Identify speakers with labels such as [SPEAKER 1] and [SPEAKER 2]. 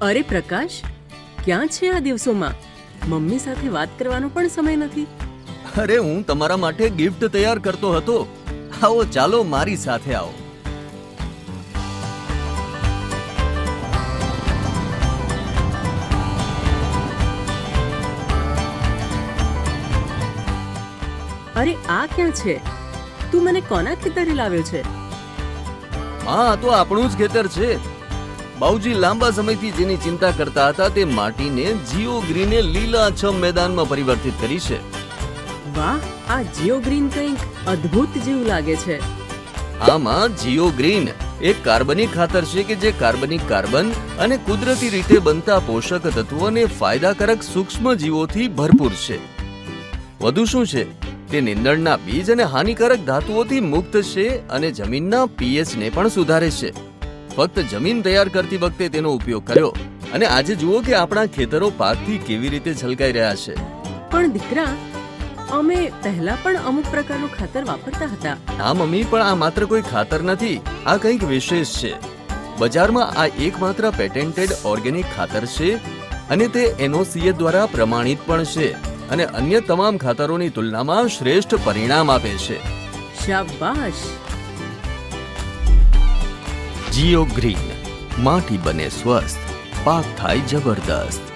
[SPEAKER 1] અરે પ્રકાશ, ક્યાં છે આ દિવસોમાં? મમ્મી સાથે વાત કરવાનો પણ સમય નથી.
[SPEAKER 2] અરે હું તમારા માટે ગિફ્ટ તૈયાર કરતો હતો. આવો ચાલો મારી સાથે આવો.
[SPEAKER 1] અરે આ ક્યાં છે? તું મને કોના ખેતરે લાવ્યો છે?
[SPEAKER 2] હા, આ તો આપણું જ ખેતર છે. બાઉજી લાંબા સમયથી જેની ચિંતા કરતા હતા તે માટીને જીઓ ગ્રીને લીલાછમ મેદાનમાં પરિવર્તિત કરી છે.
[SPEAKER 1] વાહ, આ જીઓ ગ્રીન કંઈક અદ્ભુત જેવું લાગે છે.
[SPEAKER 2] આમાં જીઓ ગ્રીન એક કાર્બનિક ખાતર છે કે જે કાર્બનિક કાર્બન અને કુદરતી રીતે બનતા પોષક તત્વો અને ફાયદાકારક સૂક્ષ્મ જીવોથી ભરપૂર છે. વધુ શું છે, તે નીંદણના બીજ અને હાનિકારક ધાતુઓથી મુક્ત છે અને જમીનના પીએચ ને પણ સુધારે છે. ફક્ત જમીન તૈયાર કરતી વખતે તેનો ઉપયોગ કર્યો અને આજે જુઓ કે આપણા ખેતરો પાકથી કેવી રીતે છલકાઈ રહ્યા છે.
[SPEAKER 1] પણ દીકરા, અમે પહેલા પણ અમુક પ્રકારનું ખાતર વાપરતા હતા.
[SPEAKER 2] હા મમ્મી, પણ આ માત્ર કોઈ ખાતર નથી, આ કંઈક વિશેષ છે. બજારમાં આ એકમાત્ર પેટેન્ટેડ ઓર્ગેનિક ખાતર છે અને તે NOCA દ્વારા પ્રમાણિત પણ છે અને અન્ય તમામ ખાતરોની તુલનામાં શ્રેષ્ઠ પરિણામ આપે છે.
[SPEAKER 1] શાબાશ.
[SPEAKER 2] જીઓ ગ્રીન, માટી બને સ્વસ્થ, પાક થાય જબરદસ્ત.